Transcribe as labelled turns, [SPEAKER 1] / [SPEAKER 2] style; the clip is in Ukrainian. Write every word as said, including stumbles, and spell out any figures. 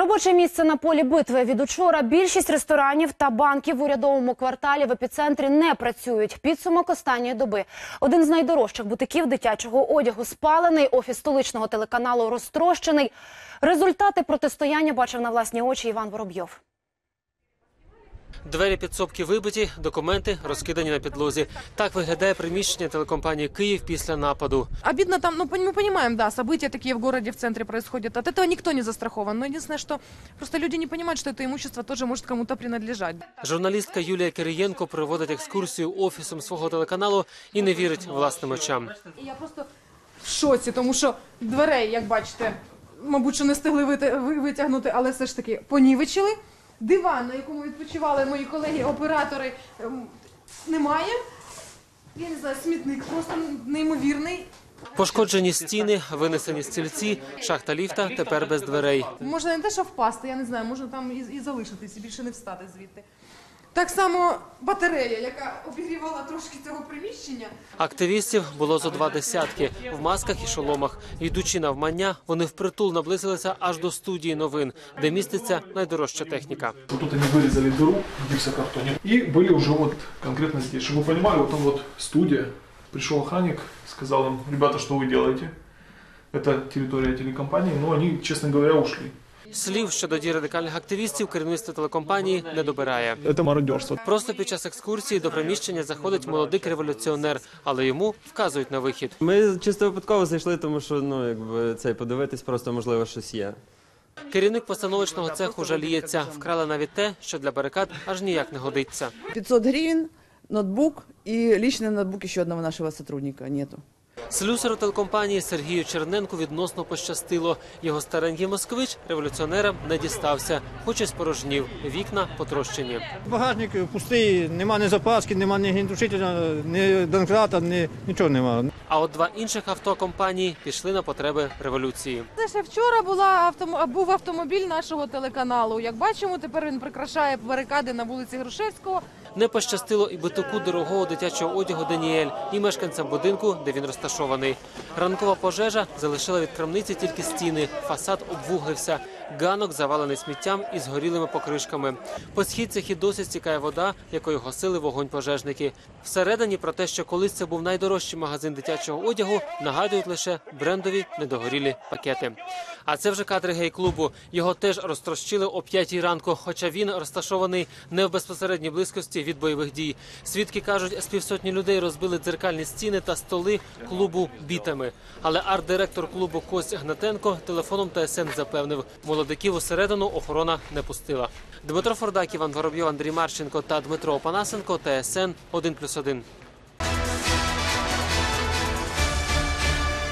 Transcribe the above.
[SPEAKER 1] Робоче місце на полі битви. Від учора більшість ресторанів та банків в урядовому кварталі в епіцентрі не працюють. Підсумок останньої доби. Один з найдорожчих бутиків дитячого одягу спалений, офіс столичного телеканалу розтрощений. Результати протистояння бачив на власні очі Іван Воробйов.
[SPEAKER 2] Двері підсобки вибиті, документи розкидані на підлозі. Так виглядає приміщення телекомпанії «Київ» після нападу.
[SPEAKER 3] Обидно там, ну мы понимаем, да, события такие в городе, в центре происходят. От этого никто не застрахован. Но единственное, что просто люди не понимают, что это имущество тоже может кому-то принадлежать.
[SPEAKER 2] Журналістка Юлія Кириєнко проводить екскурсію офісом свого телеканалу і не вірить власним очам.
[SPEAKER 3] Я просто в шоці, тому що дверей, як бачите, мабуть, що не встигли витягнути, але все ж таки понівечили. Диван, на якому відпочивали мої колеги-оператори, немає. Я не знаю, смітник просто неймовірний.
[SPEAKER 2] Пошкоджені стіни, винесені стільці, шахта ліфта тепер без дверей.
[SPEAKER 3] Можна не те, що впасти, я не знаю, можна там і, і залишитись, і більше не встати звідти. Так само батарея, яка обігрівала трошки цього приміщення.
[SPEAKER 2] Активістів було зо два десятки, в масках і шоломах. Йдучи навмання, вони впритул наблизилися аж до студії новин, де міститься найдорожча техніка.
[SPEAKER 4] Тут вони вирізали дыру в гіпсокартоні і були вже от конкретно здесь. Щоб ви розуміли, от там от студія. Прийшов охранник, сказав їм: ребята, що ви робите? Це територія телекомпанії, але вони, чесно говоря, ушли.
[SPEAKER 2] Слів щодо дій радикальних активістів керівництво телекомпанії не добирає.
[SPEAKER 4] Це мародерство.
[SPEAKER 2] Просто під час екскурсії до приміщення заходить молодий революціонер, але йому вказують на вихід.
[SPEAKER 5] Ми чисто випадково зайшли, тому що, ну, якби, цей, подивитись просто, можливо, щось є.
[SPEAKER 2] Керівник постановочного цеху жаліється. Вкрали навіть те, що для барикад аж ніяк не годиться.
[SPEAKER 6] пятьсот гривен, ноутбук и личный ноутбук еще одного нашего сотрудника нету.
[SPEAKER 2] Слюсару телекомпанії Сергію Черненку відносно пощастило. Його старенький москвич революціонерам не дістався, хоч і спорожнів. Вікна потрощені.
[SPEAKER 7] Багажник пустий, нема ні запаски, нема ні гіндушителя, ні донкрата, ні, нічого нема.
[SPEAKER 2] А от два інших авто компанії пішли на потреби революції.
[SPEAKER 3] Це ще вчора була автом... був автомобіль нашого телеканалу. Як бачимо, тепер він прикрашає барикади на вулиці Грушевського.
[SPEAKER 2] Не пощастило і битоку дорогого дитячого одягу Даніель, і мешканцям будинку, де він розташований. Ранкова пожежа залишила від крамниці тільки стіни, фасад обвуглився. Ганок завалений сміттям і згорілими покришками. По східцях і досі стікає вода, якою гасили вогонь пожежники. Всередині про те, що колись це був найдорожчий магазин дитячого одягу, нагадують лише брендові недогорілі пакети. А це вже кадри гей-клубу. Його теж розтрощили о п'ятій ранку, хоча він розташований не в безпосередній близькості від бойових дій. Свідки кажуть, з півсотні людей розбили дзеркальні стіни та столи клубу бітами. Але арт-директор клубу Костя Гнатенко телефоном Т С Н запевнив, молодиків усередину охорона не пустила. Дмитро Фордак, Іван Воробйов, Андрій Марченко та Дмитро Опанасенко, Т С Н один плюс один.